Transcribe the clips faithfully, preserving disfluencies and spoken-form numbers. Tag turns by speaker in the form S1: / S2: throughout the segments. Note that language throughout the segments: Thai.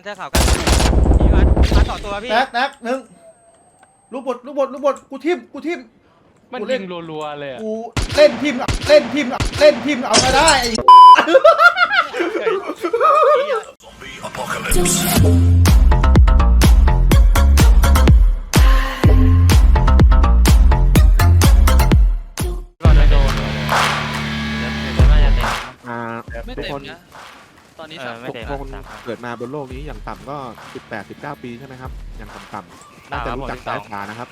S1: เสื้อขาวกันพี่วัดมาต่อตัวพี่
S2: แตกแตกหนึ่งลูกบดลูกบดลูกบดกูทิมกูทิม
S3: มันยิงรัวๆเลย
S2: กูเล่นทิมเล่นทิมเล่นทิมเอามาได้
S1: ก่อนเลยโดนเดี๋ยวเดี๋ยวน่าจะเต็ม
S4: อ่า
S5: ไม่
S4: ทุก
S5: เต็
S4: ค
S5: ม
S4: น
S5: นะตอนนี้
S1: เอ
S5: สา
S1: อ
S5: ม
S1: ไม่
S4: ทุก
S1: เต็ม
S4: คน
S1: สาม
S4: เกิดมาบนโลกนี้อย่างต่ำก็สิบแปด สิบเก้าปีใช่ไหมครับอย่างต่ำๆน่าจะรู้จักสายตานะครับ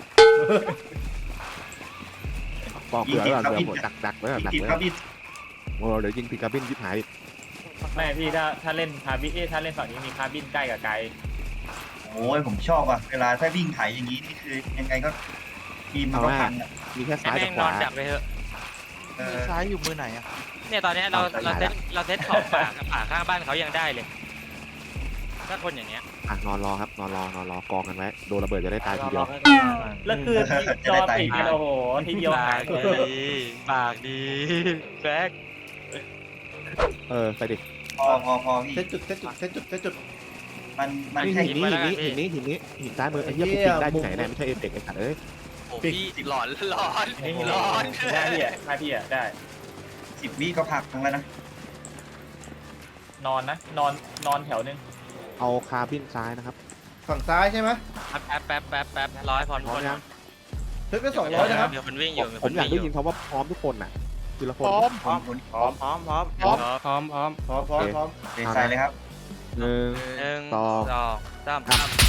S4: บอกเผื่อไว้ก่อนเผื่อหมดดักดักไว้ก่อนดักไว้ก่อนโอ้เดี๋ยวยิงผิดกระบินยิบหาย
S3: ไม่พี่ถ้าถ้าเล่นคาร์บินถ้าเล่นฝั่งนี้มีคาร์บินใกล้กับไกล
S6: โอ้ยผมชอบอ่ะเวลาถ้าวิ่งไถอย่างนี้นี่คือยังไงก็ทีมมันก็พังอ่ะ
S4: มีแค่
S1: ให้
S4: ซ้าย
S1: แม่
S4: กับ
S1: ง
S4: ข
S1: นอ
S4: วาน
S1: ดักไปเถอะ
S6: เอ
S5: มื
S6: อ
S5: อซ้ายอยู่มือไหนอ่ะ
S1: เนี่ยตอนนี้เราเราเซตเราเซตขอบป่าป่าข้างบ้านเขายังได้เลยถ้าคนอย่างเงี้ย
S4: อ่ะนอนรอครับนอนรอนอนรอกองกันไว้โดนระเบิดจะได้ตายทีเดียว
S3: แล้วคือจอติดกันโอ้โหทีเดียวหาย
S1: ปากดีปากดีแบ็ค
S4: เออไปดิ
S6: พอพอพอพี่
S2: เซตจุดเซตจุดเซตจุดเซตจุด
S6: มันมัน
S4: หิน
S6: แค่
S4: หินนี้หินนี้หินนี้หินนี้หินซ้ายมือไอ้เหี้ยกูปิงได้ที่ไหนเนี่ยไม่ใช่เอฟเฟกต์ไอ้สัตว์เอ้ย
S5: โอ้พี่หลอนหลอน
S3: นี่
S5: หลอน
S3: ได้พี่อ่ะได้พี่อ่ะได้
S6: สิบวิก็พักทั้งแล้วนะ
S3: นอนนะนอนนอนแถวนึง
S4: เอาคาร์บินซ้ายนะครับ
S2: ฝั่งซ้ายใช่ไหม
S1: แป๊บแป๊บแป๊บแป๊บร้อยพอ
S4: พร้อมยัง
S2: เซตไปสองร้อยนะครับ
S1: เดี๋ยวคนวิ่งอยู่
S4: ผมอยากได้ยินคำว่าพร้อมทุกคนน่ะทีละคน
S6: พร้อมพร้อม
S1: พร้อมพร้อมพร้อม
S3: พร้อมพร้อมพร้อม
S2: พร้อมพร้อมพร้อม
S6: เดใส่เลยครับ
S4: หนึ่ง
S1: หนึ่ง
S4: ส
S1: ส
S4: อ
S1: อง งสาม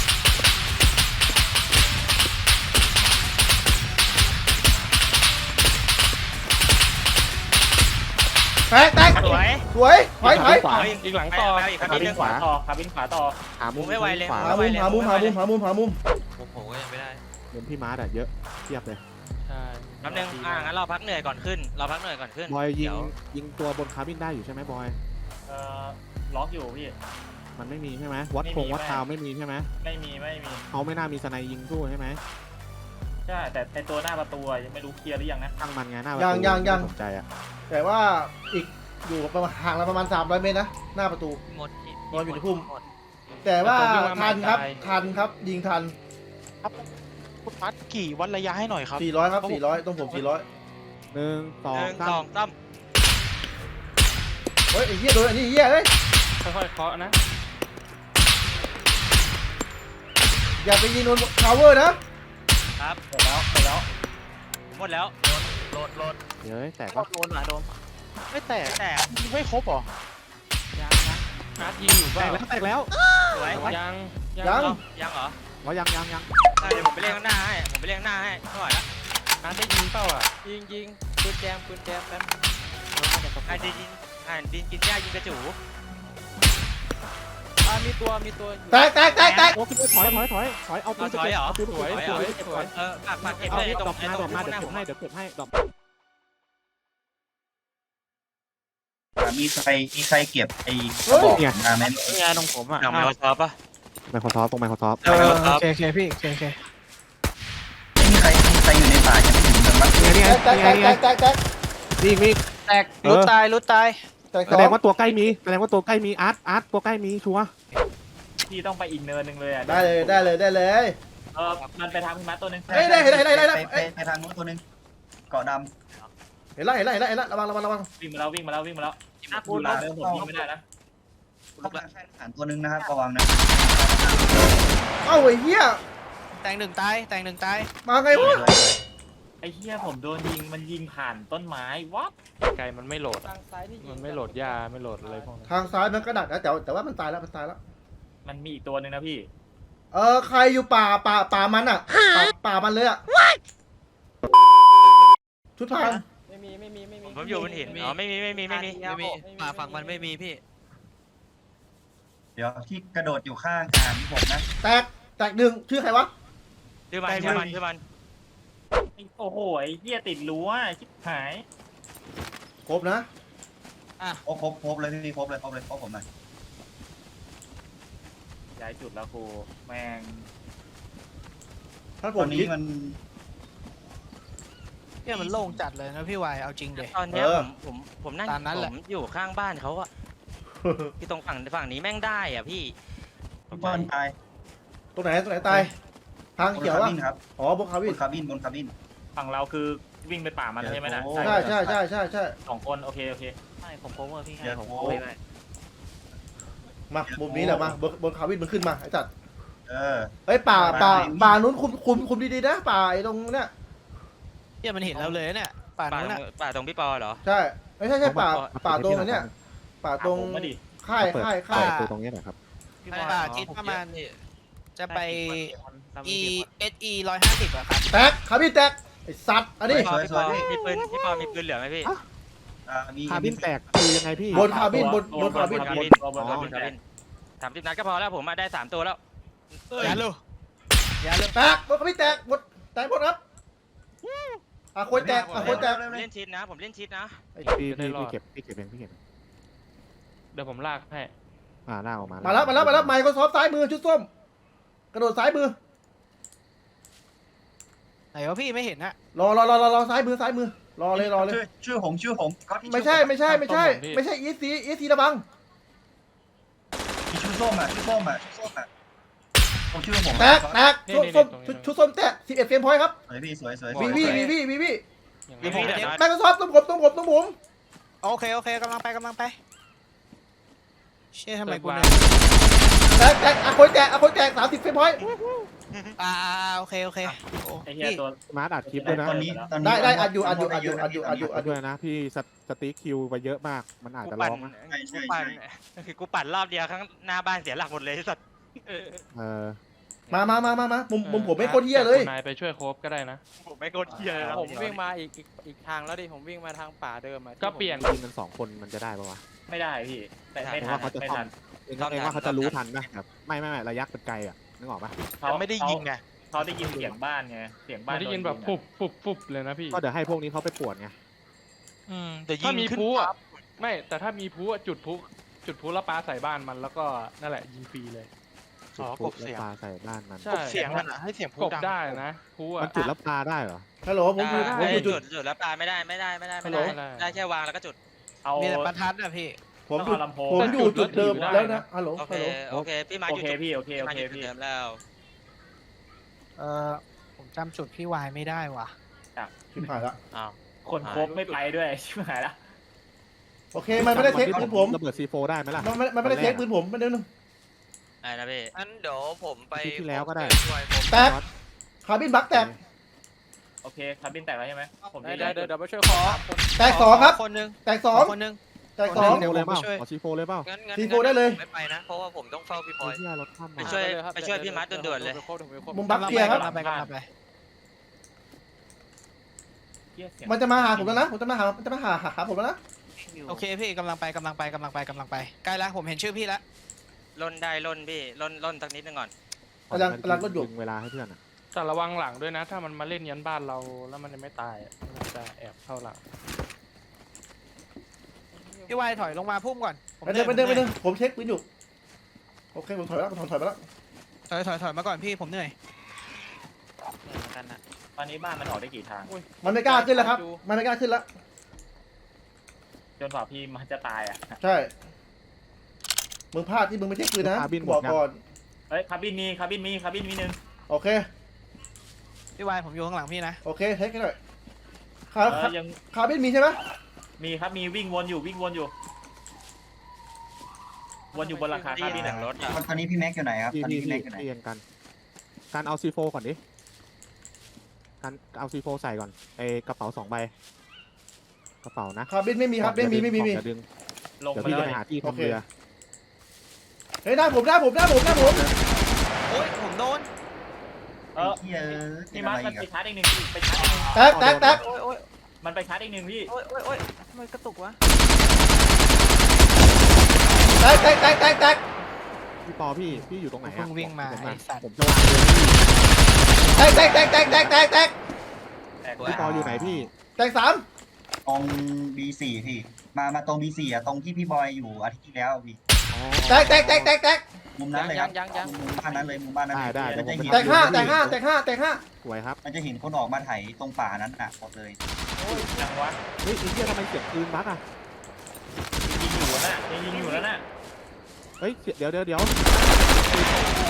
S2: แตกแตก
S1: สวย
S2: สวยถอยถอย
S4: ขวา
S3: อีกหลังต่อ
S1: อีก
S3: คา
S1: ค
S3: ร์
S1: น
S3: บิ
S1: นึ
S3: น
S1: ง
S3: ขวาต่อคาร์บินขวาต่อ
S4: หามุม
S1: ไม่ไหวเลย
S4: ขวา
S2: หามุมหามุมหามุมหามุมหามุม
S5: ผมผมก็ยังไม่ได้
S4: มุมพี่มาร์ทอะเยอะเทียบเลย
S3: ใช่
S1: แป๊บนึงอ่างั้นเราพักเหนื่อยก่อนขึ้น เราพักเหนื่อยก่อนขึ้น
S4: บอยยิง
S1: เดี๋ว
S4: ยิงตัวบนคาร์บินได้อยู่ใช่ไหมบอย
S3: เอ่อล็อกอยู่พี่
S4: มันไม่มีใช่ไหมวัด
S3: ไม่
S4: ค
S3: มี
S4: งวัด
S3: ไม่
S4: ทาวไม่มีใช่ไหม
S3: ไม่มีไม่มี
S4: เขาไม่น่ามีสไนยิงสู้ใช่ไหม
S3: ใช่แต่ในตัวหน้าประตูยังไม่รู้เคลียร์หรือยังนะ
S4: ตั้งมันไงหน้าประ
S2: ยัง
S4: ตู
S2: ยังยัง
S4: ไม่สนใจอะ
S2: แต่ว่าอีกอยู่ประมาณห่างเราประมาณสามร้อยเมตรนะหน้าประตู
S5: หมด
S2: นอนอยู่ในพุ่ม แต่ว่าทันครับทันครับยิงทัน
S5: คุณพัดกี่วัดระยะให้หน่อยครับ
S2: สี่ร้อยครับสี่ร้อยต้องผมสี่ร้อย
S4: หนึ่งสอ
S1: ห
S4: ง
S1: นึ่ง
S4: สา
S1: สอ
S4: ม
S1: งสาม
S2: เฮ้ยไอ้เหี้ยโดนไอ้นี่เหี้ยเฮ้ย
S3: ค่อยๆเคาะนะ
S2: อย่าไปยิงโดนทาวเวอร์นะ
S1: ครับ
S3: หมดแล้วหมดแล้ว
S1: หมดแล้ว
S5: โหลดโหลด
S4: เดี๋ยวแตก
S5: ก็
S4: ปะ
S5: โดนอ่ะโดนไม่แตก
S1: แต่
S5: ยิงไม่ครบหรอ
S1: ยังนะ
S3: อาร์ตยิงอยู่
S4: แต
S3: เปล่าก
S4: แล้วแตกแล้ว
S1: สวย
S3: ยัง
S2: ยัง
S1: เอายังเหรอ
S4: ว่ายังยังยัง
S1: ได้เดี๋ยวผมไปเรียกข้างหน้าให้ผมไปเรียกข้างหน้าให้ไม่ไหวละ
S3: อาร์ตได้ยิงเปล่าอ่ะ
S1: ยิงยิงปืนแจมปืนแจมแป๊บอ่านดินยิงอ่านดินกินหญ้ายิงกระจู
S5: อ่ามีตัวมีตัว
S2: แตกแตกแตกแตก
S4: โอ้ขึ้นไปถอยถอยถอยถอยเอาปื
S1: เอา
S4: น
S1: ถอยเหรอ
S4: เอาปืน
S1: สวย
S4: เอา
S1: ส
S4: ปืน
S1: วย
S4: เก็บ
S1: ส
S4: ก่
S1: ว
S4: อย น
S1: เออฝากฝากเก็บ
S4: เอา
S1: เลย
S4: เก็บ
S1: ตร
S4: ดอง ก
S1: ไอ้
S4: มา
S1: ตร
S4: ดอง กมา
S1: ข้าง
S4: เดี๋ยว
S1: หน้า
S4: เก็บ
S1: ผม
S4: ให้เดี๋ยวเก็บให้ดอก
S6: มีใครมีใครเก็บไอ้กระบอกมาไหม
S5: นี่ไงตรงผมอ่ะ
S1: หนังไมโครซอฟป่ะ
S4: ไมโครซอฟตรงไมโครซอฟ
S5: เออโอเคโอเคพี่โอเคโอเค
S6: ไม่มีใครมีใครอยู่ในป่าจะไม่ถึงเมืองมั้ง
S4: นี่ไง
S2: แตกแต
S4: นี่
S2: ก
S4: ไง
S2: แต
S4: นี่ไง
S2: กแตกแตก
S4: นี่มี
S5: แตกรุดตายรุดตาย
S2: แตกส
S4: แส
S2: อ
S4: ด
S2: ง
S4: งว่าตัวใกล้มีแสดงว่าตัวใกล้มีอาร์ตอาร์ตตัวใกล้มีชัวร์
S3: พี่ต้องไปอีกเนินหนึ่งเลยอ่ะ
S2: ได้เลยได้เลยได้เลย
S3: เออมันไปทางพี่มัดตัวหนึง
S2: เฮ้ยได้เห็นได้เห็นได้เห็นได้
S6: ไป
S2: เอ้ย
S6: ไปทางนู้นตัวนึงเกาะด
S2: เห็นแล้วเห็นแล้วเห็นแล้วเห็นแล้วระวังระวังระวัง
S3: วิ่งมาแล้ววิ่งมาแล้ววิ่งมาแล้ว
S1: น่า
S3: พู
S1: พู
S3: ด
S1: ด
S3: มา
S1: นะ
S3: เดินผมยิงไม่ได้นะ
S6: ำเขาแค่ฐานตัวนึงนะครับระวังนะ
S2: เอ้าไอ้เหี้ย
S5: แตงหนึ่งตายแตงหนึ่งตาย
S2: มาไงวะ
S3: ไอ้เหี้ยผมโดนยิงมันยิงผ่านต้นไม้วับ
S7: ไกลมันไม่โหลดอะมันไม่โหลดยาไม่โหลดอะไรพวกนั้น
S2: ทางซ้ายมันกระดักนะแต่แต่ว่ามันตายแล้วมันตายแล้ว
S3: มันมีอีกตัวหนึ่งนะพี่
S2: เออใครอยู่ป่าป่าป่ามันอ่ะป่าป่ามันเลยอ่ะชุดพราง
S7: ไม่มีไม่มีไม่มี
S1: ผมอยู่บนหินอ๋อไม่มีไม่มีไม่มี
S5: ไม่มีป่าฝั่งมันไม่มีพี่
S6: เดี๋ยวที่กระโดดอยู่ข้างฐานผมนะ
S2: แตกแตกหนึ่งชื่อใครวะ
S1: ชื่อมันชื่อมันชื่อมัน
S3: โอ้โหไอ้เหี้ยติดรั้วชิบหาย
S2: ครบนะ
S6: โอ้ครบครบเลยพี่ครบเลยครบเลยครบผมหน่อย
S3: ย้ายจุดแล้วครูแม่ง
S2: ถ้าผ
S6: ตอ
S2: ม
S6: นนี้
S2: คิด
S6: มัน
S5: เนี่ยมันโล่งจัดเลยนะพี่วายเอาจริงเด็
S1: ตอนเนี้ย
S2: เอ
S1: ผ
S2: อ
S1: มผมผมนั่ง
S5: ตามนั้น
S1: ผ
S5: แหละ
S1: มอยู่ข้างบ้านเขาอะที่ตรงฝั่งฝั่งนี้แม่งได้อ่ะพี่
S6: เปิ้ลตาย
S2: ตรงไหนตรงไหนตายทาง
S6: บน
S2: เขียว
S6: คา
S2: อ่ะ
S6: บินครับ
S2: อ๋อบนคา
S6: บ
S2: วิน
S6: นคาบินบนคาบิน
S3: ฝั่งเราคือวิ่งไปป่ามันใช่ไหมนะ
S6: โอ้
S2: ใช่ใช่ใช่ใช่ใช่
S3: สองคนโอเคโอเค
S8: ไม่ผมโคเวอร์พี่ให้
S6: เดี๋ยว
S8: ผม
S6: โอ้
S8: โคเวอร์ให้
S2: มามุมนี้แหละมาบนบนคาวินมันขึ้นมาไอ้จัด
S6: เออ
S2: เอ้ยป่าป่า
S6: มา
S2: ป่านู้นคุมคุมคุมดีๆนะป่าไอ้ตรงเนี้ย
S8: เนี่ยมันเห็นเราเลยเนี่ยป่าน
S1: ป่า
S8: นู้น
S1: ตร
S8: น่ะ
S1: งป่าตรงพี่ปอเหรอ
S2: ใช่ไม่ใช่ใช่ป่าป่าตรงอันเนี้ยป่าตรง
S3: ผมมาดิ
S2: ค่ายค่ายค่าย
S4: เปิดประตูตรงนี้หน่อยครับ
S8: พี่บอยป่าคิดประมาณ
S1: นี่
S8: จะไป
S1: เรา
S8: e
S1: มี
S8: s e ร้อยห้าสิบอะครับ
S2: แตกคาบินแตกไอ้สัตว์อันนี้
S1: พี่ปอพี่ปอมีปืนพี่ปอมีปืนเหลือไหมพี่
S6: อ่ามี
S4: คาร์บินแตกคือยังไงพี่
S2: บนคาบินบนบนคาบิน
S3: บนคาบิน
S1: บนคาบินสามสิบนัดก็พอแล้วผมมาได้สามตัวแล้ว
S8: อย่าลูอย่าลู
S2: แตกบนคาบินแตกหมดแตกหมดครับอ่ะคนแตกอ่ะคนแตก
S1: ผมเล่นชิดนะ ผมเล่นชิดนะ
S4: พี่พี่พี่เก็บพี่เก็บเองพี่เก็บเอง
S7: เดี๋ยวผมลากให้
S4: อ่าล่ากออกมา
S2: มาแล้วมาแล้วมาแล้วไมค์ก็ซอฟซ้ายมือชุดส้มกระโดดซ้ายมือ
S8: ไหนวะพี่ไม่เห็นอะ
S2: รอรอรอรอรอซ้ายมือซ้ายมือรอเลยรอเลย
S6: ชื่อชื่อหงชื่อหงก๊อต
S2: ไม่ใช่ไม่ใช่ไม่ใช่ ไม่ใช่อีซีอีซีระบัง
S6: มีชื่อส้มอ่ะชื่อส้มอ่ะชื่อส้มอ่ะผมชื่อหง
S2: แตกแตกส้มส้มชุดชุดส้มแตกสิบเอ็ดเฟรมพอยต์ครับ
S6: สวยพี่สวยสวย
S2: วีวีวีวีวีวี
S7: อย่าง
S1: มี
S7: นี้
S1: พี่เดี๋ยวนะ
S2: ไมค์ก็ซอฟต้องผมต้องผมต้องผม
S8: โอเคโอเคกำลังไปกำลังไปเชี่ยทำไมกูเนี่ย
S2: แตกแตกอ่ะคนแตกอ่ะคนแตกสามสิบเฟรมพอยต์
S8: อ่าโอเคโอเคโอ้
S3: ไอ้เหี้ย
S8: พี่
S3: ตัว
S4: มาร์ทอัดคลิปด้วยนะ
S6: ตอนนี้ตอนนี้
S2: ได้ได้อัดอยู่อัดอยู่อัดอยู่อัดอยู่อัดอยู่อัดอ
S4: ด้
S2: ยู่
S4: วยนะพี่สสติ๊กคิวไปเยอะมากมันอาจ
S1: กู
S4: จะ
S1: ปั่
S4: ร้
S1: น
S4: องนะ
S1: กูปั่นคือกูปั่นรอบเดียวข้างหน้าบ้านเสียหลักหมดเลยสัตว์
S4: เออ
S2: มามามามามามุมมุมผมไม่โคตรเฮี้ยเลย
S7: นายไปช่วยโคบก็ได้นะ
S1: ผมไม่โคตรเฮีย
S9: ผมวิ่งมาอีกอีกอีกทางแล้วดิ ผมวิ่งมาทางป่าเดิมอะที่
S7: ก็เปลี่ยน
S4: ทีมกันสองคนมันจะได้ปะวะ
S3: ไม่ได้พี่แต่ไม่
S4: เอง
S3: ทัน
S4: ว่าเขาจะ
S3: ไม่
S4: ท
S3: ทัน
S4: ำเองเองว่าเขาจะรู้ทันนะแบบไม่ไม่ไม่ระยะเป็นไกลอ่ะนึกออกปะ
S3: เขา
S5: ไม่ได้ยิงไง
S3: เขาได้ยินเสียงบ้านไงเสียงบ้าน
S7: มันได้ยินแบบฟุบฟุบฟุบเลยนะพี่
S4: ก็เดี๋ยวให้พวกนี้เขาไปปวดไง
S5: อืมแต่ยิ
S7: ถ้าง มี
S5: ขึ้น
S7: พลุอ่ะไม่ แต่ถ้ามีพลุอะจุดพลุจุดพลุแล้วปาใส่บ้านมันแล้วก็นั่นแหละยิงฟรีเลย
S5: อ๋อกบ
S4: แล้ว
S5: เสียง
S4: ปลาใส่บ้านมัน
S7: ใช่
S5: กบเสียงมันอ่ะให้เสียงพู
S7: ก
S5: ด
S7: บ
S5: ดัง
S7: ได้นะพลุ
S4: มั
S7: อ่ะ
S4: นจุดแล้วปลาได้เหรอ
S2: ฮัลโหลผมอยู่ผมอยู่จุ
S1: จุ
S2: ด
S1: ดจุดแล้วปลาไม่ได้ไม่ได้ไม่ได้ไม่
S2: ฮัลโหล
S1: ได้ได้แค่วางแล้วก็จุด
S3: เอา
S8: มีแต่ประทัดอะพี่
S2: ผม
S3: ต้อง
S2: อยู่
S3: เอาลำโพง
S2: ผมอยู่จุดเดิมแล้วนะฮัลโหล
S1: โอเค
S2: ฮัลโหล
S1: โอเคพี่มา
S3: โอ
S1: อยู่
S3: เค
S1: จุด
S3: พี่โอเค
S1: พี่
S3: โอ
S1: มา
S3: เค
S1: อยู่จุด
S3: พี่
S1: เดิมแล้ว
S8: เออผมจำจุดพี่วายไม่ได้ว่ะ
S2: ชิบหายละ
S1: อ้าว
S3: คนครบไม่ไปด้วยชิบหายละ
S2: โอเคมันไม่ได้เทคปืนผม
S4: ระเบิดซีโฟได้ไหมล่ะ
S2: มันไม่มันไม่ได้เทคปืนผมไม่ได้นึง
S1: ไอ้นะพี่
S9: งั้นเดี๋ยวผมไป
S4: อาทิตย์ที่แล้วก็ได้
S9: ช่วยผม
S2: แตกคาร์บินบักแตก
S3: โอเคคาร์บินแตกแล้วใช่ไหมผม
S9: เดี๋
S3: จะ
S9: ยวเดี๋ยว
S3: ย้าย
S9: เดี๋ยวไปช่วยขอ
S2: แตกสองครับ
S8: คนนึง
S2: แตกสอง
S8: คนนึง
S2: แตกสอง
S8: เดี๋ยว
S4: เลย
S8: ผม
S4: เปล่า
S8: ไปช่วย
S4: ขอซีโฟเลยเปล่า
S9: งั้นงั้น
S2: ทีโฟได้เลย
S9: ผมไม่ไปนะ เพราะว่าผมต้องเฝ้าพี่พลอย
S4: ที่รถข้าม
S1: ไป
S4: มา
S1: ช่วย
S9: เอาเลยครับ
S1: ไปช่วยพี่มัดด่วนๆเลย
S9: ดี๋วผมไปโคบ
S2: มุมบัก
S8: กำลัง
S2: เกียร์ครับ
S8: ไปกำลังไปกำลังไป
S3: เหี้ยเสียง
S2: มันจะมาหาผมแล้วนะผมจะมาหามันจะมาหาหาผมแล้วนะ
S8: โอเคพี่กำลังไปกำลังไปกำลังไปกำลังไปใกล้แล้วผมเห็นชื่อพี่แล้ว
S1: ล่นได้ล่นพี่ล่นล่นสักนิดนึงก่อน
S2: กำลังกำลังรถอยู่
S4: ดึงเวลาให้เพื่อนอ่ะ
S7: แต่ระวังหลังด้วยนะ ถ้ามันมาเล่นยันบ้านเราแล้วมันยังไม่ตายอะมันจะแอบเข้าหลัง
S8: พี่วายถอยลงมาพุ่มก่อนผม
S2: ไปเดินไปเดินไปเดินผมเช็คปืนอยู่โอเคผมถอยแล้วผมถอยไปแล้ว
S8: ถอยถอยถอยมาก่อนพี่ผมเหนื่อย
S9: เหมือนกันนะ
S3: ตอนนี้บ้านมันออกได้กี่ทาง
S2: มันไม่กล้าขึ้นแล้วครับมันไม่กล้าขึ้นแล้ว
S3: จนกว่าพี่มันจะตายอ่ะ
S2: ใช่มึงพลาดที่มึงไม่เช็คปืนนะบอกก่อน
S3: เฮ้ยคาร์บินมีคาร์บินมีคาร์บินมีหนึ่ง
S2: โอเค
S8: พี่วายผมอยู่ข้างหลังพี่นะ
S2: โอเคเทคให้หน่อยคา
S3: เออยัง
S2: คาร์บินมีใช่ไหม
S3: มีครับมีวิ่งวนอยู่วิ่งวนอยู่ วนอยู่บนหลังคาคาร์บิน
S1: หนั
S3: อ่ะ
S1: งรถอ่ะ
S6: ตอนนี้พี่แม็กอยู่ไหนครับ
S4: พี่
S6: ตอน
S4: พี่
S6: นี้พี่
S4: พี่
S6: แม็กอยู่ไหน
S4: พี่ยังกันการเอาซีโฟก่อนดิการเอาซีโฟใส่ก่อนไอกระเป๋าสองใบกระเป๋านะ
S2: คาร์บินไม่มีครับไม่มีไม่มีไม่มี
S4: อย่าดึง
S3: ลง
S4: เดี๋ยว
S3: มา
S4: พี่
S3: เล
S4: จะไป
S3: ย
S4: หาที่
S2: โอ
S4: ทำ
S2: เค
S4: เรือ
S2: เฮ้ยหน้าผมหน้าผมหน้าผมหน้าผม
S8: โอ้ยผมโดน
S3: เออ
S6: เฮียเป็
S3: พี่
S6: น
S3: มั
S6: อะ
S3: ด
S6: ไร
S3: มัน
S6: กั
S3: ไป
S6: น
S3: ชาร์จอีกหนึ่งพี่ไปชาร์จอีกหนึ่ง
S2: แตกแตกแตก
S8: โอ้ยโอ้ย
S3: มันไปชาร์จอีกหนึ่งพี่
S8: โอ้ยโอ้ยโอ้ยทำไมกระตุกวะ
S2: แตกแตกแตกแตกแตก
S4: พี่ปอพี่พี่อยู่ตรงไหน
S8: เพิ่
S4: อ่ะ
S8: งวิ่งมา
S4: ผม
S8: ไอ้
S4: อะ
S8: สัตว์
S4: ผมจะวางเรือพี่
S2: แตกแตกแตกแตกแตกแตกแตก
S3: แตก
S4: พี่ปออยู่ไหนพี่
S2: แตกสาม
S6: ตรง บี สี่ พี่ มามาตรง บี สี่ อ่ะตรงที่พี่บอยอยู่อาทิตย์ที่แล้วพี่
S4: อ๋อ
S2: แตกแตกแตกแตกแตก
S6: มุมนั้นเลยครับ
S9: ยังยังยัง
S6: มุมบ้านนั้นเลยมุมบ้านนั้นเลย
S4: ได้ได้
S6: มันจะเห็น
S2: แตกห้าแตกห้าแตกห้าแตกห้า
S4: สวยครับ
S6: มันจะเห็นคนออกมาไถตรงป่านั้นอ่ะหมดเลย
S3: จังวะ
S4: เฮ้ยไอ้เหี้ยทำไมเสียงปืนบั๊กอ่ะ
S3: ยิงอยู่แล้วน่ะยิงอยู่แล้วน่ะ
S4: เฮ้ยเสียเดี๋ยวเดี๋ยวเดี๋ยว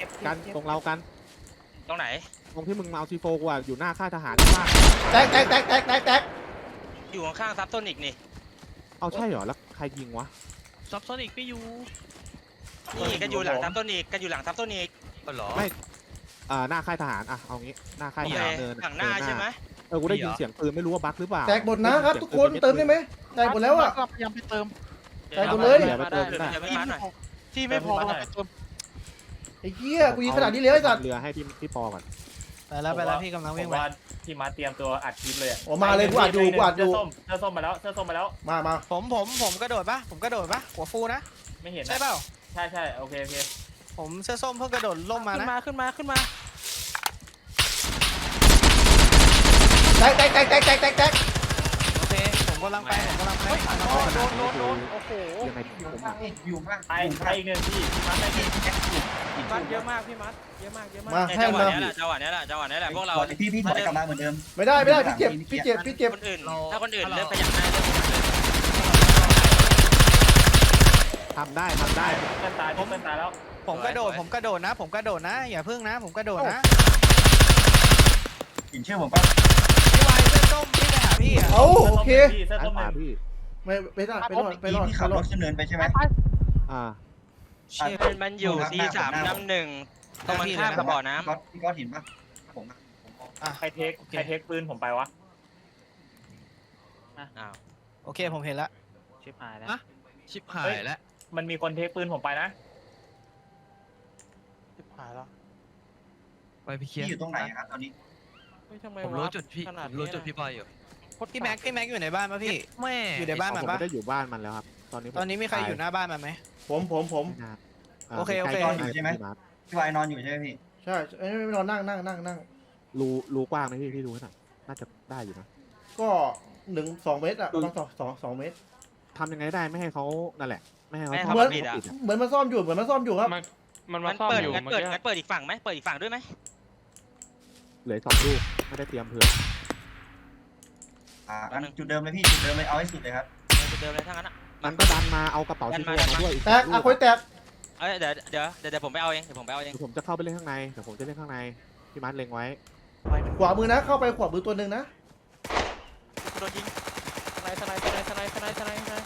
S4: กันตรงเรากัน
S1: ตรงไหน
S4: ตรงที่มึงมาเอาซีโฟกูอะอยู่หน้าค่ายทหารมาก
S2: แตกแตกแตกแตกแตกแตก
S1: อยู่ข้างๆซับโซนิกนี่
S4: เอาใช่เหรอแล้วใครยิงวะ
S5: ซับซ้อนอีกไม่อยู่
S1: นี่กันอยู่หลังซับโซนิกกันอยู่หลังซับโซนิก
S5: ก็หรอ
S4: ไม่อ่าหน้าค่ายทหารอะเอางี้หน้าค่ายท
S1: โอเค
S4: หารเนิน
S1: หลังหน้าใช่ไหม
S4: เออกูได้ยินเสียงปืนไม่รู้ว่าบั๊กหรือเปล่า
S2: แตกหมดนะครับทุกคนเติมได้ไหมแตกหมดแล้วอ่ะ
S5: พยายามไปเติม
S2: ไปหมดเลย
S4: เดี๋ยวไปเติม
S1: เดี๋ยว
S4: ได้
S1: เดี๋ยวไม่มาหน่อย
S5: ที่ไม่พอเราไปเติม
S2: ไอ้เหี้ยกูยิงขนาดนี้เลยไอ้สัตว์
S4: เรือให้พี่พี่ปอก่อน
S8: ไปแล้วไปแล้วพี่กำลัง
S3: ผ
S8: วิ่ง
S3: ม
S8: ไป
S3: ว่าพี่มาเตรียมตัวอัดคลิปเลยอะ
S2: ออกมาเลยกูอัดอยู่กูอัดอยู่
S3: เสื้อส้มเสื้อส้มมาแล้วเสื้อส้มมาแล้ว
S2: มามา
S8: ผมผมผมกระโดดปะผมกระโดดปะหัวฟูนะ
S3: ไม่เห็นนะ
S8: ใช่เปล่า
S3: ใช่ใช่โอเคโอเค
S8: ผมเสื้อส้มเพิ่งกระโดดล่มมา
S9: ขึ้น
S8: นะ
S9: มาขึ้นมาขึ้นมา
S2: แตกแตกแตกแตกแตกแตกแตก
S8: โอเคผมกำลังไปผมกำลังไป
S9: โดนโดนโดนโอ้โห
S4: ยังไงพี่ผม
S6: อยู่มาก
S3: ไปไปอีกหนึ่งพี่พี่มาไปอีก
S9: มัดเยอะมากพี่มัดเยอะมากเยอะมาก
S2: มา
S1: เนี่ย
S2: ให้
S1: จังหวะ
S2: มา
S1: เนี้ยแหละจังหวะเนี้ยแหละจังหวะเนี้ยแหละพวกเรา
S6: พี่พี่ถอยกลับมาเหมือนเดิม
S2: ไม่ได้ไม่ได้พี่เจ็บพี่เจ็บพี่เจ็บ
S1: คนอื่น ถ้าคนอื่นเริ่มขยับได้เริ่มขยับได้
S4: ทำได้ทำได้
S3: เพื่อนตายเพื่อนตายแล้ว
S8: ผมกระโดดผมกระโดดนะ ผมกระโดดนะ อย่าพึ่งนะ ผมกระโดดนะ
S6: หินเชื่อผมป่ะ
S8: พี่วายเสื้อส้มพี่ไปหาพี่อ่ะ
S2: เอาโอเค
S3: เสื้อ
S4: ไอ้
S3: ส้ม
S4: ข
S3: ห
S4: วา
S3: นึ่ง
S4: พี่
S2: ไม่ไม่ได้ไปรอดไปรอด
S6: พี่
S2: ไป
S6: ขับ
S2: ร
S6: ร
S2: อด
S6: ถขึ้นเนินไปใช่ไหม
S4: อ่า
S8: เชี่ย
S1: มันมันอยู่ซีสามน้ำหนึ่งตรงมันข้ามกับบ่อน้ำ
S6: ก๊อตพี่ก๊อตเห็นป่ะผมอะผมมอง
S8: อ่ะ
S3: ใครเทคใครเทคปืนผมไปวะ
S1: อ้าว
S8: โอเคผมเห็นละ
S1: ชิบหายแล้ว
S5: ชิบหายแล้ว
S3: มันมีคนเทคปืนผมไปนะ
S5: ชิบหายแล้วไปพี่เคลี
S6: พี่
S5: ยร์
S6: อยู่ตรงไหนครับตอนนี้
S9: เฮ้ยทำไม
S5: ผมรู้จุดพี่
S9: ขนา
S5: ผมรู้จุดพี่บอยอยู่
S8: พี่แม็กพี่แม็กอยู่ในบ้านปะพี่
S5: แม่
S8: อยู่ในบ้าน
S4: ผม
S8: มันปะ
S4: ไม่ได้อยู่บ้านมันแล้วครับ ตอนนี้
S8: ตอนนี้มีใครอยู่หน้าบ้านมันไหม
S2: ผมผมผม
S4: ไม่น่าา
S8: โอเคโอเค
S4: ใกล้ๆ
S6: อยู่ใช่ไหม
S4: พี่าร์ค
S6: พี่วายนอนอยู่ใช่ไหมพี่
S2: ใช่ไอ้ยไม่นอนนั่งนั่งนั่งนั่ง
S4: รูรูกว้างไหมพี่พี่ดูให้หน่อยน่าจะได้อยู่นะ
S2: ก็หนึ่งสองเมตรอะประมาณสองสองสองเมตร
S4: ทำยังไงได้ไม่ให้เขานั่นแหละ ไม่ให้เขา
S1: ไม่ให้เขา
S2: เหมือน
S1: ปิดอะ
S4: ปิดอะ
S2: เหมือนมันซ่อมอยู่เหมือนมันซ่อมอยู่ครับ
S7: มันมัน
S1: มั
S7: มาน ซ่อม
S1: เปิด
S7: อยู่
S1: งั้น
S7: เมื่อ
S1: เปิด
S7: กี้
S1: งั้นเปิดอีกฝั่งไหมเปิดอีกฝั่งด้วยไหม
S4: เหลืออกสองลูกไม่ได้เตรียมเผื่อ
S6: อ่างั้นจุดเดิมเลยพี่จุดเดิมเลยเอาให้สุดเลยครับ
S1: จุดเดิมเลยทั้งนั้นอ่ะ
S4: มันก็ดันมาเอากระเป๋า
S1: ดั
S4: ซี
S1: น
S4: โฟ
S1: มาดัน
S4: มา
S1: มา
S4: ด้วยอีก
S2: แตก
S4: สอง
S2: อ่ะ
S4: ลู
S2: คุยแตก
S1: เอ้ยเดี๋ยวเดี๋ยวเดี๋ยวเดี๋ยวผมไปเอาเองเดี๋ยวผมไปเอาเอง
S4: เดี๋ยวผมจะเข้าไปเล่นข้างในเดี๋ยวผมจะเล่นข้างในพี่มาร์คเล็งไว้
S2: ขวามือนะเข้าไปขวามือตัวหนึ่งนะ
S1: โดนยิง
S9: สไนสไนสไนสไนสไนสไนสไน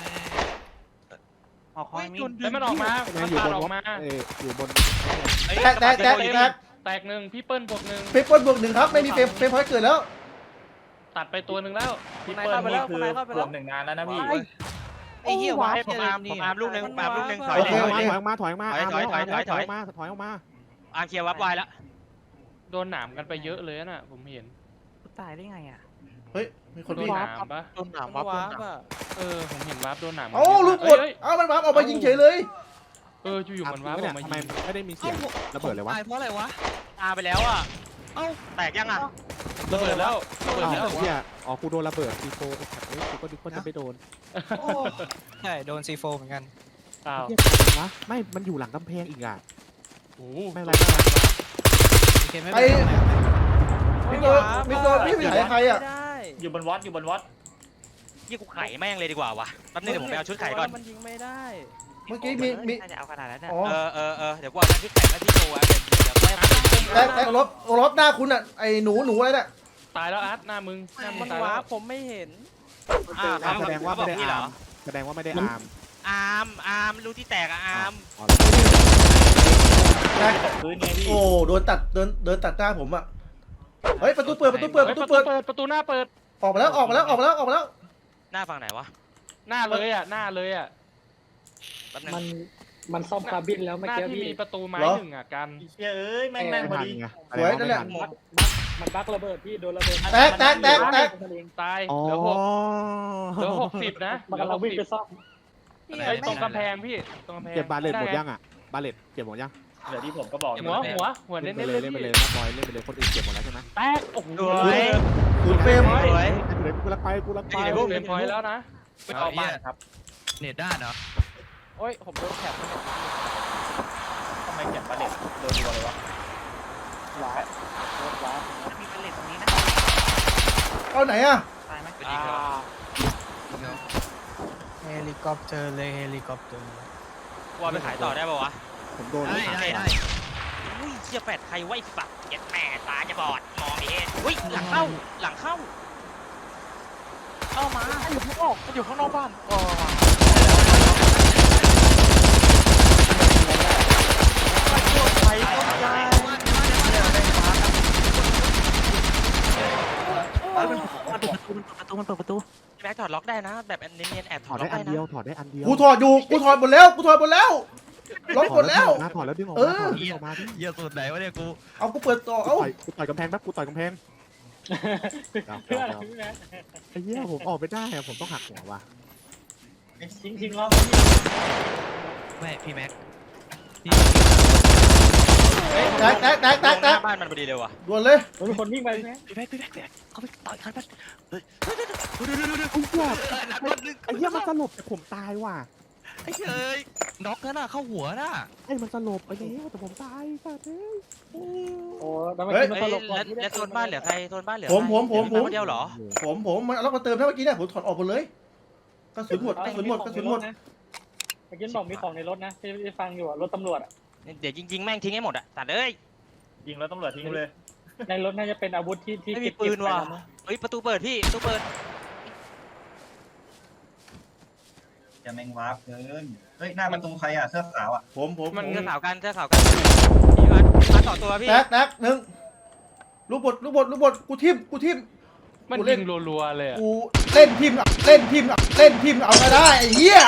S5: ออกคอยมี
S7: แล้วมันออกมา
S4: แม่
S7: มัน
S4: อยู่
S7: ปา
S4: บ
S7: ด
S4: น
S7: ออ
S4: รถ
S7: กมา
S4: เอยอยู่บน
S1: เอ้ย
S2: แตกแตกแตกแตก
S7: แตกหนึ่งพี่เปิ้ลบวกหนึ่ง
S2: เปเปิลบวกหนึ่งครับไม่มีเฟรมเฟรมพอยต์เกิดแล้ว
S7: ตัดไปตัวหนึ่งแล้ว
S3: พี่เปิ้ลนี่คือรวมหนึ่งนานแล้วนะพี่
S8: ไอ้เหี้ยวาย
S1: ผมอาร์มผมอาร์มลูกหนึ่งผมอาร์มลูกหนึ่งถอย
S2: โอ
S1: เล
S2: เค
S1: ย
S2: โอเค
S4: ถอยออกมาถอยออกมา
S1: ถอยถอยถอยถอยถอย
S4: ออกมาถอยออกมา
S1: อาร์มเคลียร์วับไวแล้ว
S7: โดนหนามกันไปเยอะเลยน่ะผมเห็น
S9: ตายได้ไงอ่ะ
S2: เฮ้ยมีคน
S7: โด
S2: วิ่
S7: น
S2: ง
S7: หนามปะ
S5: โดนหนาม
S9: มั
S5: วั
S9: น
S5: บโด
S9: ว้าน
S5: หนาม
S9: ป่ะ
S7: เออผมเห็นวาร์ปโดนหนาม
S2: เอ้าลูกกด
S7: เอ้ย
S2: เอ้ามันวาร์ปออกมายิงเฉยเลย
S7: เอออยู่ๆมันวาร์ปอ
S4: เนี่
S7: อย กมา
S4: ทำไม
S7: ยิง
S4: ไม่ได้มีเสียงระเบิดเลยวะ
S5: ตายเพราะอะไรวะ
S1: ตาไปแล้วอ่ะเอ้าแตกยังอ่ะ
S7: ระเบิดแล้วระเบิด
S4: อ้าว
S7: แล้ว
S4: เนี่ยอ๋อกูโดนระเบิดซีโฟเฮ้ยกูก็ดิก็จะไม่โดน
S8: ใช่โดนซีโฟเหมือนกัน
S7: อ้าว
S4: เหี้ยวะไม่มันอยู่หลังกำแพงอีกอ่ะ
S7: โอ้โห
S4: ไม่เป็นไรไม่เป็นไร
S8: โอเคไม่เป็นไร
S2: มิโดมิโดพี่ไปไหนใครอ่ะ
S9: ไม่ได้
S3: อยู่บนวอตอยู่บนวอต
S1: ยี่กูไข่แม่งเลยดีกว่าวะแป๊บนึงเดี๋ยวผมไปเอาชุดไข่ก่อน
S9: มันยิงไม่ได้
S2: เมื่อกี้มีมี
S1: น่าจะเอาขนาดนั้น
S2: อ๋อ
S1: เออเออเออเดี๋ยวกูเอาชุดไข่แล้วพี่โชว์ไว้เดี๋ยวเดี๋ยวค่อยเอา
S2: แตกแตกรถรถหน้าคุณอ่ะไอ้หนูหนูอะไรเนี่ย
S7: ตายแล้วอาร์ตหน้ามึงหน้ามึ
S9: มั
S7: ง
S9: น
S7: ตาย
S9: ว้า
S7: แล้ว
S9: ผมไม่เห็น
S1: อ่า
S4: อ่ะแสดงว่าไม่ได้
S1: นี่เหร
S4: อา
S1: อ
S4: ร์มแสดงว่าไม่ได้อาร์ม
S1: อาร์มอาร์มรู้ที่แตกอะอาร์ม
S4: อ๋อ
S2: แตก
S3: พื้นไงพี่
S2: โอ้โดนตัดเดินเดินตัดหน้าผมอ่ะเฮ้ยประตูเปิดประตูเปิดป
S7: เฮ้ย
S2: ระตู
S7: ประตู
S2: เปิด
S7: เปิดประตูหน้าเปิด
S2: ออกมาแล้วออกมาแล้วออกมาแล้วออกมาแล้ว
S1: หน้าฝั่งไหนวะ
S7: หน้าเลยอ่ะหน้าเลยอ่ะ
S1: แป๊บนึง
S10: มันมันซ่อมคาร์บินแล้ว
S7: ห
S10: เมื่อ
S7: น้า
S10: กี้
S7: ที่
S10: พี่
S7: มีประตูไม้หนึ่งอ่ะกัน
S3: เชี่ยเอ้ยแม่งแม่งพอ
S4: ไม่ทัน
S3: ดี
S4: ไง
S2: สวยนั่นแหละ
S4: ไม่ทั
S10: มันบักระเบิดพี่โดนระเบิด
S2: แตกแตกแตกแตก
S7: ตาย
S4: อ๋อ
S7: เหลือหกเหลือหกสิบนะเห
S10: มัน
S7: ลือก
S10: ำลั
S7: ห
S10: ง
S7: ก
S10: วิ่ง
S7: สิบ
S10: ไปซ่อม
S7: เฮ้ยตรงกำแพงพี่ตรงกำแพง
S4: เก็บบาเลตหมด
S7: ไง
S4: ยังอ่ะบาเลตเก็บหมดยัง
S3: เดี๋ยวที่ผมก็บอก
S7: หัวหัวหัว
S4: เล่
S7: เน้
S4: น
S7: น
S4: ไป
S7: ๆ
S4: เล
S7: เลย ย
S4: เล่นไป
S7: พี่
S4: เลยนักบอยเล่นไปเลยคนอื่นเก็บหมดแล้วใช่ไหม
S7: แตกโอ้โห
S1: สวย
S2: ศูนย์เฟรม
S1: สวย
S4: เล่นไปเลยกูรักไปกูรักไป
S7: ลูกเล่นพอยต์แล้วนะ
S3: ไม่เข้าบ้านครับ
S5: เน็ตด้านเหรอ
S9: โอ้ยผมโดนแคปเนี่ย
S3: ทำไมเก็บประเด็นโดนรัวเลยวะ
S10: หวาดรถหวาด
S1: มีเป็นเหล็กตรงนี้นะ
S2: เอาไหนอ่ะ
S1: ตายไหม
S5: ไปยิงเขายิงเขา
S8: เฮลิคอปเตอร์เลยเฮลิคอปเตอร์
S1: ว่าไปขายต่อได้ป่าวะ
S4: ผมโดน
S5: ได้ได้ได้
S2: ม
S1: อุ้ยเชี่ยแปดใครไว้สัตว์เจ็ดแม่ตาจะบอดมองไม่เห็นอุ้ยหลังเข้าหลังเข้า
S5: เข้ามามันอยู่ข้างนอกมันอยู่ข้างนอกบ้านอ๋อ
S1: ไปต้นใจ
S6: ประตูมันเปิดประตู
S1: แม็กถอดล็อกได้นะ แบบเนียนๆแอบถ
S4: ถ
S1: อ
S4: อ
S1: ด
S4: ด
S1: ล็อก
S4: ได้อั
S1: ได้
S4: น
S1: นะ
S4: เดียวถอดได้อันเดียว
S2: กูถอดอยู่กูถอดหมดแล้วกูถอดหมดแล้วล็อกหมดแล้ว
S4: ถอดแล้วดึงออก
S2: เอ
S4: มา
S2: อ
S4: ถอดดึงออกมาดิ
S1: เยี่ยสุดไหนวะเนี่ยกู
S2: เอากูเปิดต่อ
S4: กู
S2: เอ้า
S4: ต่อยกูต่อยกำแพงแป๊บกูต่อยกำแพง
S10: เพื่อนพี่แม็ก
S4: ไอ้เหี้ยผมออกไม่ได้อะผมต้องหักหัวว่ะ
S10: ทิ้งทิ้งรอบ
S1: ไม่พี่แม็ก
S2: แตกแตกแตกแตก
S1: ห
S2: แต
S1: น้าก บ้านมันพอดีเลยว่ะ
S2: ด่วนเลย
S10: มันมีคนวิ่งไปพี่แม็ก
S1: พี่แม็กพี่แม็กเขาไปต่อยคันมัน
S4: ไอ้เหี้ยไอ้เหี้ยมันสลบแต่ผมตายว่ะ
S1: ไอ้เอ้ยน็อกน่ะเข้าหัวน่ะ
S4: ไอ้มันสลบไอ้เหี้ยแต่ผมตายสัตว์เอ้ย
S10: โอ้แล้วเมื่อกี้มัน
S1: เฮ้ย
S10: ตลกก่อน
S1: แล้ว
S10: ที่ได้
S1: แล้วโซนบ้านเหลือใครโซนบ้านเหลือ
S2: ผมผมผมผม
S1: คนเดียวเหรอ
S2: ผมผมมันเอาล็อกมาเติมนะเมื่อกี้เนี่ยผมถอดออกหมดเลยกระสุนหมดกระสุนหมดกระสุนหมด
S10: เมื่อกี้บอกมีของในรถนะที่ที่ฟังอยู่อะรถตำรวจอะ
S1: เดี๋ยวจริงๆแม่งทิ้งให้หมดอ่ะตัดเอ้ย
S3: ยิงแล้วตำรวจทิ้งเลย
S10: ในรถน่าจะเป็นอาวุธที่ที่
S1: ไม่มี
S10: เก็บ
S1: ปืนว่ะ
S10: เก็บไนะ
S1: เฮ้ยประตูเปิดพี่ประตูเปิด
S6: จะแมงวาร์ปเกินเฮ้ยหน้าประตูใครอ่ะเสื้อขาวอ่ะ
S2: ผมผม
S1: มัน
S2: ผม
S1: เสื้อขาวกันเสื้อขาวกันพี่มามาต่อตัวพี่
S2: แตกแตกหนึ่งลูกบดลูกบดลูกบดกูทิมกูทิม
S7: มัน
S2: กูเล่
S7: ยิ
S2: น
S7: งรัวๆเลยอะ
S2: กูเล่นทิมอะเล่นทิมอะเล่นทิมเอาก็ได้ไอ้เหี้ย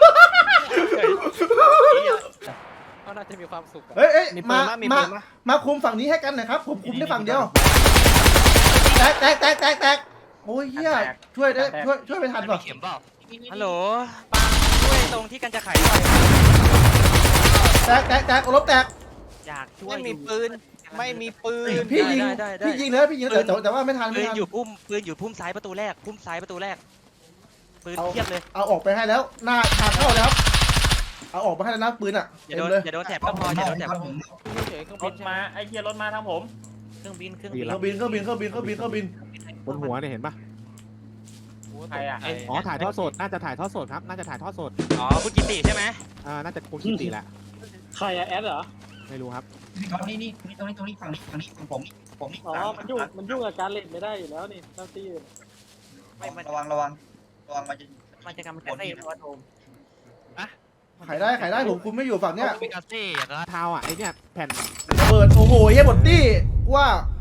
S9: เขาน่าจะมีความสุขอะ
S2: เฮ้ยเอ้ย
S8: มีปื
S2: มาน
S8: มั้ยมี
S2: มา
S8: ปืนมั้ย
S2: มาคุมฝั่งนี้ให้กันหน่อยครับผมคุมได้ฝั่งเดียวแตกแตกแตกแตกแตกโอ้ยเหี้ยช่วยได้ช่วยช่วยไม่ทันป่ะ
S1: เข็มเปล่าฮัลโหลปาช่วยตรงที่กันจะไขหน่อย
S2: แตกแตกแตกโอลบแตก
S1: อยากช่วย
S8: ไม่มีปืนไม่มีปืน
S2: พี่ยิง
S1: ได้ได้ได้
S2: พี่ยิงเลยพี่ยิงเลยแต่แต่ว่าไม่ทัน
S1: ปื
S2: ไม่
S1: น
S2: ทัน
S1: อยู่พุ่มปืนอยู่พุ่มซ้ายประตูแรกพุ่มซ้ายประตูแรกปืนเทียบเลย
S2: เอาออกไปให้แล้วหน้าทางเข้าแล้วเอาออกไปให้แล้วนะปืนอ่ะ
S1: อย่า
S2: เต็
S1: โด
S2: ม
S1: น
S2: เลย
S1: อย่าโดนแถบก็พออย่าโดนแถบก็พอ
S9: เฉยๆเครื่อง
S3: ร
S9: บิน
S3: ถมาไอ้เหี้ยรถมาทางผม
S1: เครื่องบินเครื่อง
S4: ดี
S1: บิน
S2: เค
S4: แล้
S2: รื่
S4: ว
S2: องบินเครื่องบินเครื่องบินเครื่องบินเครื่องบิน
S4: บนหัวเนี่ยเห็นปะ
S3: ใครอ่ะ
S4: อ๋อถ่ายทอดสดน่าจะถ่ายทอดสดครับน่าจะถ่ายทอดสด
S1: อ๋อคุณกิติใช่ไหม
S4: อ่าน่าจะคุณคิติแหละ
S10: ใครอะแอดเหรอ
S4: ไม่รู้ครับ
S6: นี่นี่นี่ตรงนี้ตรงนี้ฝั่งนี้ฝั่งนี้ของผมนี่ผมนี่
S10: อ๋อมันยุ่งมันยุ่งกับการเล่นไม่ได้อยู่แล้วนี่เจ้าที่
S6: ระวังระวังระวังมันจะ
S1: มันจะกำจัดไอ้ตัวโดม
S2: ขายได้ขายได้ผมคุมไม่อยู่ฝั่งเนี้ย
S1: มีกาเซ่อย่างนั้น
S4: เท้าอ่ะไอเนี่ยแผ่น
S2: ระเบิดโอ้โหเฮียหมดตี้ว่า